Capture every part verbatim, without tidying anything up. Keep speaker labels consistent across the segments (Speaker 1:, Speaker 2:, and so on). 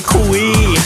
Speaker 1: คุย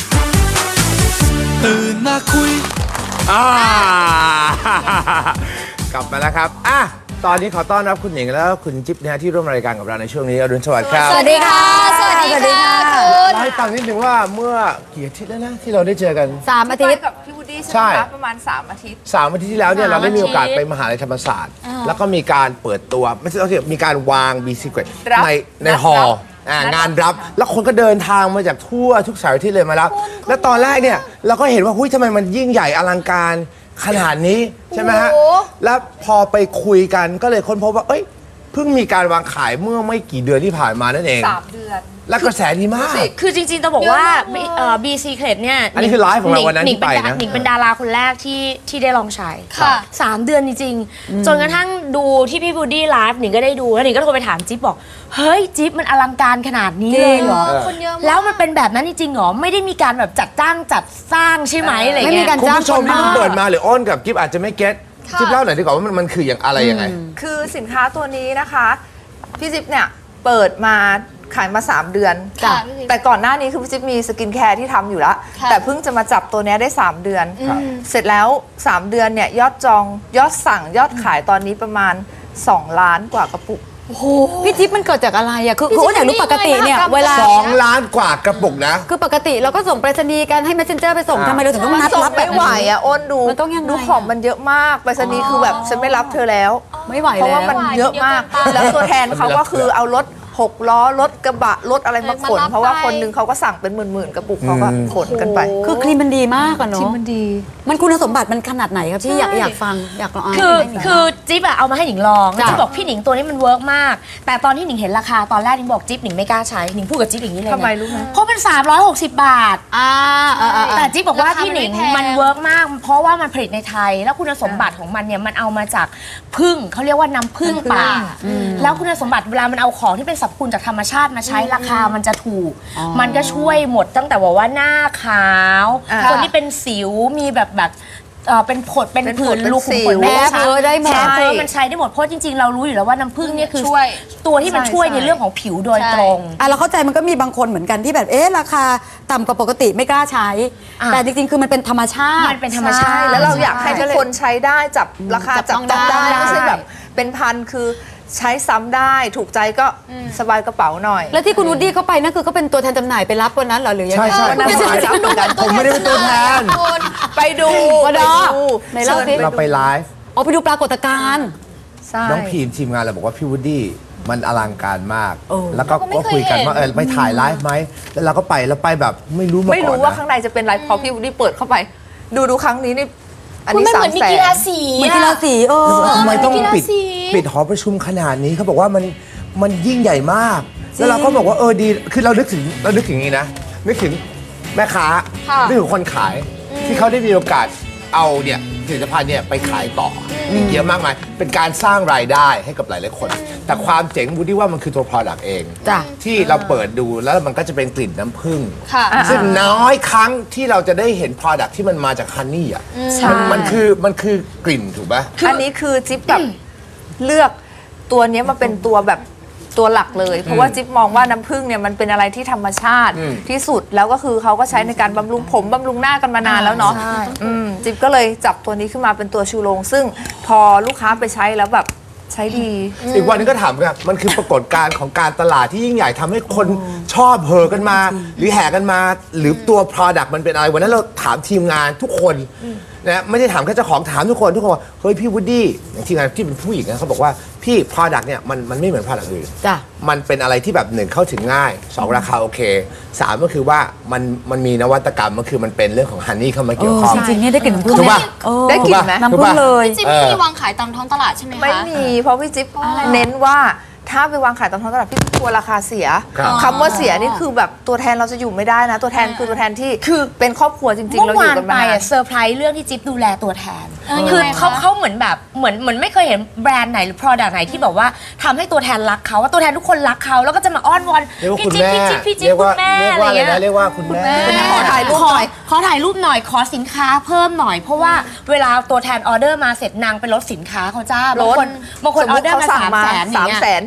Speaker 1: ตื่นมาคุย
Speaker 2: อ่ากลับมาแล้วครับอ่ะตอนนี้ขอต้อนรับคุณหนิงแล้วคุณจิ๊บนะฮะที่ร่วมรายการกับเราในช่วงนี้อรุณสวัสดิ์ครับ
Speaker 3: สวัสดีค่ะสวัสดีค่ะคุณ
Speaker 2: เล่าให้ฟังนิดนึงว่าเมื่อกี่อาทิตย์แล้วนะที่เราได้เจอกัน
Speaker 3: สามอาทิตย์
Speaker 4: กับพี่วูดดี้ใช่ไหมคะประมาณสามอาทิตย์
Speaker 2: สามอาทิตย์ที่แล้วเนี่ยเราได้มีโอกาสไปมหาลัยธรรมศาสตร์แล้วก็มีการเปิดตัวไม่ใช่เราที่มีการวาง B Secret ในในฮอลล์งานรับแล้วคนก็เดินทางมาจากทั่วทุกสายที่เลยมารับแล้วตอนแรกเนี่ยเราก็เห็นว่าหุ้ยทำไมมันยิ่งใหญ่อลังการขนาดนี้ใช่ไหมฮะแล้วพอไปคุยกันก็เลยค้นพบว่าเอ้ยเพิ่งมีการวางขายเมื่อไม่กี่เดือนที่ผ่านมานั่นเอง
Speaker 4: สามเดือน
Speaker 2: และกระแสดีมาก
Speaker 3: คือจริงๆต้องบอกว่า B Secret เนี่ย
Speaker 2: อันนี้คือไลฟ์ของเราวันนั้นที่ไปนะ
Speaker 3: หนิงเป็นดาราคนแรกที่ที่ได้ลองใช้
Speaker 4: ค่ะ
Speaker 3: สามเดือนจริงๆจนกระทั่งดูที่พี่บูดดี้ไลฟ์หนิงก็ได้ดูแล้วหนิงก็โทรไปถามจิ๊บบอกเฮ้ยจิ๊บมันอลังการขนาดนี้เลยเหรอ
Speaker 4: คนเยอะมาก
Speaker 3: แล้วมันเป็นแบบนั้นจริงๆเหรอไม่ได้มีการแบบจัดจ้างจัดสร้างใช่ไหมอะไรเงี้ย
Speaker 2: คุณผู้ชมที่เพิ่งเปิดมาหรืออ้นกับจิ๊บอาจจะไม่เก็ตจิ๊บเล่าหน่อยดีกว่าว่ามันมันคืออย่างอะไรยังไง
Speaker 4: คือสินค้าตัวนี้นะคะพี่จิ๊บเนี่ยเปิดมาขายมาสามเดือนแต่ก่อนหน้านี้คือพี่จิ๊บมีสกินแคร์ที่ทำอยู่แล้วแต่เพิ่งจะมาจับตัวนี้ได้สามเดือนเสร็จแล้วสามเดือนเนี่ยยอดจองยอดสั่งยอดขายตอนนี้ประมาณสองล้านกว่ากระปุก
Speaker 5: โอ้โหพี่จิ๊บมันเกิดจากอะไรอ่ะคือคืออยากรู้ปกติเนี่ยเวลา
Speaker 2: สองล้านกว่ากระปุกนะ
Speaker 5: คือปกติเราก็ส่งไปรษณีย์กันให้ messenger ไปส่งทำไมเราถึงต้องนัดรับแบบ
Speaker 4: ไม่ไหวอ่ะอ้นดู
Speaker 5: มันต้องยังไง
Speaker 4: ดูของมันเยอะมากไปรษณีย์คือแบบฉันไม่รับเธอแล้ว
Speaker 5: ไม่ไหว
Speaker 4: เพราะ
Speaker 5: แล้ว
Speaker 4: ว่ามันเยอะมากแล้วตัวแทนเขาก็คือเอารถหกล้อรถกระบะรถอะไรมาขนเพราะว่าคนนึงเขาก็สั่งเป็นหมื่นๆกระปุกเขาก็ขนกันไป
Speaker 5: คือครีมมันดีมากอะเนาะ
Speaker 4: ครีมมันดี
Speaker 5: มันคุณสมบัติมันขนาดไหนครับพี่อยากอยากฟังอยากลองอ่าน
Speaker 3: คือคือจิ๊บอะเอามาให้หนิงลองจิ๊บบอกพี่หนิงตัวนี้มันเวิร์กมากแต่ตอนที่หนิงเห็นราคาตอนแรกหนิงบอกจิ๊บหนิงไม่กล้าใช้หนิงพูดกับจิ๊บอย่างนี้เลย
Speaker 4: ทำไมรู้ไหม
Speaker 3: เพราะมันสามร้อยหกสิบบาท
Speaker 5: อ่า
Speaker 3: แต่จิ๊บบอกว่าพี่หนิงมันเวิร์กมากเพราะว่ามันผลิตในไทยแล้วคุณสมบัติของมันเนี่ยมันเอามาจากผึ้งเขาเรียกว่าน้ำผึ้งป่าแล้วคุณสมบัติเวลามันเอาของที่เป็นสรรพคุณจากธรรมชาติมาใช้ราคามันจะถูกมันก็ช่วยหมดตั้งแต่ว่าหน้าขาวคนที่เป็นสิวมีแบบแบบเป็นผดเป็นผื่นลูกขุมขนแม่
Speaker 5: เออได้หมด
Speaker 3: เพราะมันใช้ได้หมดเพราะจริงๆเรารู้อยู่แล้วว่าน้ำผึ้งเนี่ยคือตัวที่มันช่วยในเรื่องของผิวโดยตรง
Speaker 5: อ่ะเราเข้าใจมันก็มีบางคนเหมือนกันที่แบบเอ๊ะราคาต่ำกว่าปกติไม่กล้าใช้แต่จริงๆคือมันเป็นธรรมชาติ
Speaker 3: มันเป็นธรรมชาติ
Speaker 4: แล้วเราอยากให้ทุกคนใช้ได้จับราคาจับต้องได้ไม่ใช่แบบเป็นพันคือใช้ซ้ำได้ถูกใจก็สบายกระเป๋าหน่อย
Speaker 5: แล้วที่คุณวูดดี้เข้าไปนั่นคือเขาเป็นตัวแทนจำหน่ายไปรับวันนั้นเหรอหรือยังไง
Speaker 2: ใช่ใช่ผมไม่ได้เป็นตัวแทน
Speaker 4: ไปดู
Speaker 5: ไปดูในเรา
Speaker 2: เราไปไลฟ์
Speaker 5: อ๋อไปดูปรากฏการณ์
Speaker 2: น้องพีมทีมงานเราบอกว่าพี่วูดดี้มันอลังการมากแล้วก็ก็คุยกันว่าเออไปถ่ายไลฟ์ไหมแล้วเราก็ไปแล้วไปแบบไม่รู้มาก่อน
Speaker 4: ไม่รู้ว่าข้างในจะเป็นไลฟ์พอพี่วูดดี้เปิดเข้าไปดูดูครั้งนี้นี่
Speaker 3: อันนี้สามแสนกีฬาสี
Speaker 5: เหมือนกีฬาสีเออ
Speaker 2: ทำไมต้องปิดปิดหอประชุมขนาดนี้เขาบอกว่ามันมันยิ่งใหญ่มากแล้วเราก็บอกว่าเออดีคือเรานึกถึงเรานึกถึงอย่างนี้นะนึกถึงแม่ค้านึกถึงคนขายที่เขาได้มีโอกาสเอาเนี่ยผลิตภัณฑ์เนี่ยไปขายต่ออีกเยอะมากมายเป็นการสร้างรายได้ให้กับหลายๆคนแต่ความเจ๋งบูดี้ว่ามันคือตัว product เองที่เราเปิดดูแล้วมันก็จะเป็นกลิ่นน้ำผึ้งซึ่งน้อยครั้งที่เราจะได้เห็น product ที่มันมาจากฮันนี่อ่ะมันคือมันคือกลิ่นถูกไหม
Speaker 4: อันนี้คือจิ๊บแบบเลือกตัวนี้มาเป็นตัวแบบตัวหลักเลยเพราะว่าจิ๊บมองว่าน้ำผึ้งเนี่ยมันเป็นอะไรที่ธรรมชาติที่สุดแล้วก็คือเขาก็ใช้ในการบำรุงผมบำรุงหน้ากันมานานแล้วเนาะจิ๊บก็เลยจับตัวนี้ขึ้นมาเป็นตัวชูโรงซึ่งพอลูกค้าไปใช้แล้วแบบใช้ดี
Speaker 2: อีกวันนึงก็ถามกันมันคือปรากฏการณ์ของการตลาดที่ยิ่งใหญ่ทำให้คนชอบเฮอกันมาหรือแห่กันมาหรือตัว product มันเป็นอะไรวันนั้นเราถามทีมงานทุกคนนะไม่ได้ถามแค่เจ้าของถามทุกคนทุกคนเฮ้ยพี่วูดดี้ทีมงานที่เป็นผู้หญิงนะเขาบอกว่าพี่ product เนี่ยมันมันไม่เหมือน product อื่นมันเป็นอะไรที่แบบหนึ่งเข้าถึงง่ายสองราคาโอเคสามก็คือว่ามันมันมีนวัตกรรมมันคือมันเป็นเรื่องของฮันนี่เข้ามาเกี่ยวข้อง
Speaker 5: จริงๆนี่ได้กลิ่นน้ำผึ้ง
Speaker 2: ถูกป่ะ
Speaker 4: ได้กลิ่นไหม
Speaker 5: น้ำผึ้งเลย
Speaker 3: จิ๊บไม่มีวางขายตามท้องตลาดใช่ไหมคะ
Speaker 4: ไม่มีเพราะพี่จิ๊บเน้นว่าถ้าไปวางขายตามท้องตลาดพี่กลัวราคาเสียคำว่าเสียนี่คือแบบตัวแทนเราจะอยู่ไม่ได้นะตัวแทนคือตัวแทนที่คือเป็นครอบครัวจริงๆเราอยู่กันมา
Speaker 3: เซอร์ไพรส์เรื่องที่จิ๊บดูแลตัวแทนคือเขาเขาเหมือนแบบเหมือนเหมือนไม่เคยเห็นแบรนด์ไหนหรือ product ไหนที่แบบว่าทำให้ตัวแทนรักเขาว่าตัวแทนทุกคนรักเขาแล้วก็จะมาอ้อนวอนพี่จิ๊บพี่จิ๊บพี่จิ๊บคุณแม่อะไรเงี้ย
Speaker 2: เรียกว่าคุณแม่
Speaker 4: ขอถ่ายรูปหน่อย
Speaker 3: ขอถ่ายรูปหน่อยขอสินค้าเพิ่มหน่อยเพราะว่าเวลาตัวแทนออเดอร์มาเสร็จนางไปลดสินค้าเขาจ้าบางคนบางคนออเดอร์มาสามแสน
Speaker 4: สามแสน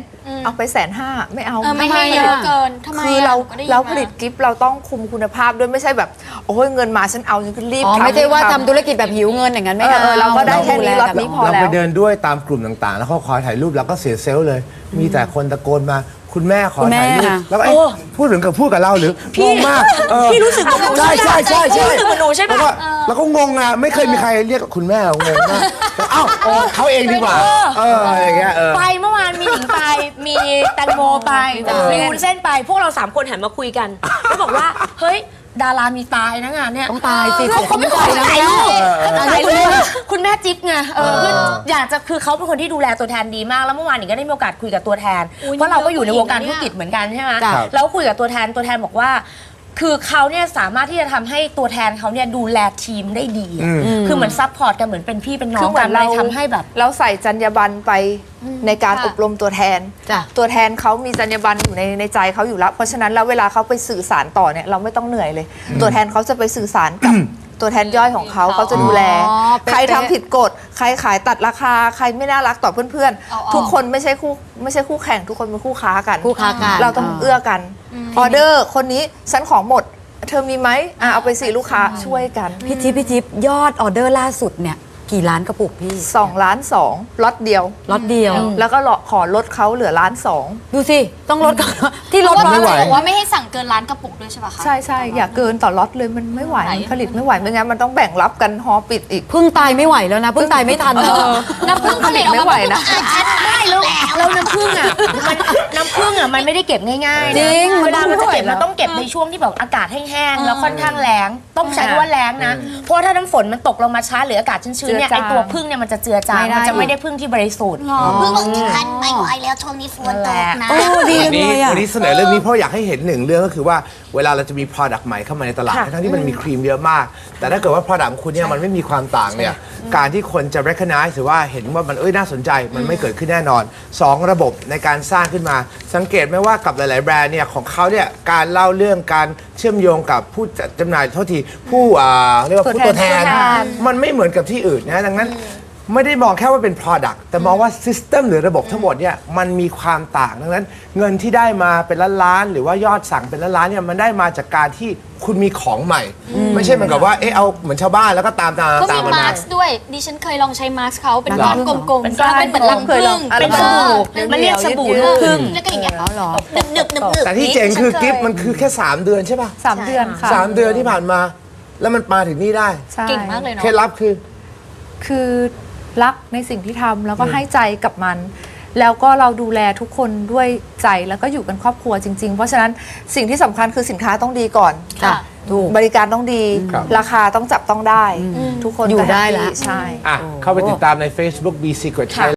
Speaker 4: เอาไปแสนห้าไม่เอา
Speaker 1: เออไม่ให้เยอะเกินทำไม
Speaker 4: คือเรา
Speaker 1: ะหนูก็ได้ยิน
Speaker 4: เรา
Speaker 1: ม
Speaker 4: ผลิตกิฟต์เราต้องคุมคุณภาพด้วยไม่ใช่แบบโอ้ยเงินมาฉันเอาฉันก็รีบ
Speaker 5: อ๋อ
Speaker 4: ทำ
Speaker 5: ไม่ใช่ว่า
Speaker 4: รีบ
Speaker 5: ทำธุรกิจแบบหิวเงินอย่างนั้นไม่
Speaker 4: เออ
Speaker 5: เอา
Speaker 4: เออเราก็ได้แค่นี้
Speaker 5: ดู
Speaker 4: ล็อต
Speaker 5: แบบ
Speaker 4: นี้พอ
Speaker 2: เรา
Speaker 4: แล้
Speaker 2: ไป
Speaker 4: ว
Speaker 2: เดินด้วยตามกลุ่มต่างๆ แล้วเขาขอถ่ายรูปเราก็เสียเซลล์เลย มีแต่คนตะโกนมาคุณแม่ขอถ่ายรูปแล้วก็เอ๊ะพูดถึงกับพูดกับเราหรืองงมากเออ
Speaker 3: พี่รู้สึกเหมือนหนู
Speaker 2: ใช่ใช่ใช่ใช่
Speaker 3: พี่รู้สึกเหมือนหนูใช่ปะ
Speaker 2: แล้วก็แล้วก็งงอ่ะไม่เคยมีใครเรียกคุณแม่เรางงมากแต่อ้าวโอ้เขาเองดีกว่าเอออย่างเงี้ยเออ
Speaker 3: ไปเมื่อวานมีหนิงไป มีแตงโมไปมีวุ้นเส้นไป พวกเราสามคนหันมาคุยกันแล้วบอกว่า เฮ้ย ดารามีตายนะงานเนี้ย
Speaker 5: ต้องตายสิ
Speaker 3: เขาเขาไม่ขอถ่ายรูปเขาถ่ายรูปคุณแม่จิ๊บไงเออคืออยากจะคือเขาเป็นคนที่ดูแลตัวแทนดีมากแล้วเมื่อวานหนิงก็ได้มีโอกาสคุยกับตัวแทน เพราะเราก็อยู่ในวงการธุรกิจเหมือนกันใช่ไหม
Speaker 2: ครับ
Speaker 3: แล้วคุยกับตัวแทนตัวแทนบอกว่า คือเขาเนี่ยสามารถที่จะทำให้ตัวแทนเขาเนี่ยดูแลทีมได้ดีอะคือเหมือนซัพพอร์ตกันเหมือนเป็นพี่เป็นน้
Speaker 4: คือ อง เหมื
Speaker 3: กั
Speaker 4: อน น
Speaker 3: เล
Speaker 4: เรา
Speaker 3: ยทำให้แบบ
Speaker 4: เราใส่จรรยาบรรณไปในการ
Speaker 1: ค่ะ
Speaker 4: อบรมตัวแทน
Speaker 5: จ้ะ
Speaker 4: ตัวแทนเขามีจรรยาบรรณอยู่ในในใจเขาอยู่แล้ว เพราะฉะนั้นแล้วเวลาเขาไปสื่อสารต่อเนี่ยเราไม่ต้องเหนื่อยเลย ตัวแทนเขาจะไปสื่อสารกับ ตัวแทนย่อยของเขาเขาจะดูแล
Speaker 5: อ๋อเป๊ะๆ
Speaker 4: ใครทำผิดกฎใครขายตัดราคา ใครไม่น่ารักต่อเพื่อน
Speaker 1: เอาออก
Speaker 4: ๆ ทุกคนไม่ใช่คู่ไม่ใช่คู่แข่งทุกคนเป็นคู่ค้ากัน
Speaker 5: คู่ค้ากัน
Speaker 4: เราต้องเอื้อกันออเดอร์คนนี้ฉันของหมด เธอมีไหมอ่ะเอาไปสิลูกค้าช่วยกัน
Speaker 5: พี่จิ๊บพี่จิ๊บยอดออเดอร์ล่าสุดเนี่ยกี่ล้านกระปุกพี่
Speaker 4: สองล้านสองล็อตเดียว
Speaker 5: ล็อตเดียว
Speaker 4: แล้วก็ขอลดเขาเหลือล้านสอง
Speaker 5: ดูสิ ต้องลดก่อนที่ลด
Speaker 1: เพราะว่า
Speaker 2: ไม่ไหว
Speaker 1: บอกว่าไม่ให้สั่งเกินร้านกระปุกด้วยใช่ปะคะ
Speaker 4: ใช่ใช่อย่าเกินต่อล็อตเลยมันไม่ไหว
Speaker 1: ไหว
Speaker 4: ผลิตไม่ไหวไม่งั้นมันต้องแบ่งรับกันฮอปิดอีก
Speaker 5: พึ่งตายไม่ไหวแล้วนะพึ่งตายไม่ทันแล้ว
Speaker 1: น้ำผึ้งผลิตออก
Speaker 4: ไม่
Speaker 1: มา
Speaker 4: ไหวนะ
Speaker 3: ไม่แล้วแล้วน้ำผึ้งอ่ะมันน้ำผึ้งอ่ะมันไม่ได้เก็บง่ายๆนะ
Speaker 5: จริง
Speaker 3: เวลามันจะเก็บ
Speaker 5: มันต้อง
Speaker 3: มันต้องเก็บในช่วงที่แบบอากาศแห้งๆแล้วค่อนข้างแรงต้องใช้คำว่าแรงนะเพราะว่าถ้าน้ำฝนมันตกลงมาช้าหรืออากาศชื้นๆเนี่ย
Speaker 4: เจือ
Speaker 3: ไอ
Speaker 4: จาง
Speaker 3: ตัวผึ้งเนี่ยมันจะเจือจาง
Speaker 5: ไม่ได้
Speaker 3: มันจะไม่ได้ผึ้งที่บริสุทธิ์
Speaker 6: เพิ่งออกจากคันไม่ไหวแล้วช่วงนี้ฝนตกนะ
Speaker 5: โอ้ดี
Speaker 2: วัน
Speaker 5: เล
Speaker 2: นี้
Speaker 5: ยอ่ะ
Speaker 2: วันนี้เสนอเรื่องนี้เพราะอยากให้เห็นหนึ่งเรื่องก็คือว่าเวลาเราจะมี product ใหม่เข้ามาในตลาด
Speaker 4: ค่ะ
Speaker 2: ทั้งที่มันมีครีมเยอะมาก แต่ถ้าเกิดว่า product ของคุณเนี่ยมันไม่มีความต่างเนี่ยการที่คนจะ recognize หรือว่าเห็นว่ามันเอ้ยน่าสนใจมันไม่เกิดขึ้นแน่นอนสองระบบในการสร้างขึ้นมา สังเกตไหมว่ากับหลาย ๆ แบรนด์เนี่ยของเขาเนี่ยการเล่าเรื่องการเชื่อมโยงกับผู้จัดจำหน่ายโทษทีผู้อ่าเรียกว่าผู้ตัวแทน
Speaker 4: ตัวแทน
Speaker 2: มันไม่เหมือนกับที่อื่นนะดังนั้น ไม่ได้มองแค่ว่าเป็น product แต่มองว่า system หรือระบบทั้งหมดเนี่ยมันมีความต่างดังนั้น เงินที่ได้มาเป็นล้านล้านๆหรือว่ายอดสั่งเป็นล้านล้านๆเนี่ยมันได้มาจากการที่คุณมีของใหม่ ไม่ใช่เหมือนกับว่าเอ๊ะเอาเหมือนชาวบ้านแล้วก็ตามตาม
Speaker 1: ก็
Speaker 2: ตา
Speaker 1: มี
Speaker 2: มมัน
Speaker 1: มา
Speaker 2: มา
Speaker 1: ร์คด้วยดิฉันเคยลองใช้มาร์คเขาเป็น
Speaker 2: เหรอ
Speaker 1: ก้อนกลมๆ
Speaker 3: เป็น
Speaker 1: แล้วเป็นเหมือนรัง
Speaker 4: เคย
Speaker 1: ผึ้
Speaker 4: ลอง
Speaker 1: ง
Speaker 4: อะไร
Speaker 3: เป็นสบู่มันเรียกสบู่ลูกผึ้ง
Speaker 1: แล้วก็อย่างเงี้ย
Speaker 5: แล้วเหรอ
Speaker 6: หนึบหนึบหนึบหนึบ
Speaker 2: แต่ที่เจ๋งคือกิฟต์มันคือแค่ สาม เดือนใช่ป่ะ
Speaker 4: สามเดือนค่ะ
Speaker 2: สามเดือนที่ผ่านมา แล้วมันมาถึงนี่ได้
Speaker 4: ใช่
Speaker 1: เก่งมากเลยเนาะ
Speaker 2: เคล็ดลับคือ
Speaker 4: คือรักในสิ่งที่ทำแล้วก็ให้ใจกับมัน แล้วก็เราดูแลทุกคนด้วยใจแล้วก็อยู่กันครอบครัวจริง ๆ เพราะฉะนั้นสิ่งที่สำคัญคือสินค้าต้องดีก่อน
Speaker 1: ค่ะ
Speaker 5: ถูก
Speaker 4: บริการต้องดี
Speaker 2: ครับ
Speaker 4: ราคาต้องจับต้องได้ ทุกคน
Speaker 5: อยู่
Speaker 4: ก็
Speaker 5: ได้
Speaker 4: แฮปปี้
Speaker 5: ละ
Speaker 4: ใช่
Speaker 2: อ่ะเข้าไปติดตามใน Facebook Be Secret Thailand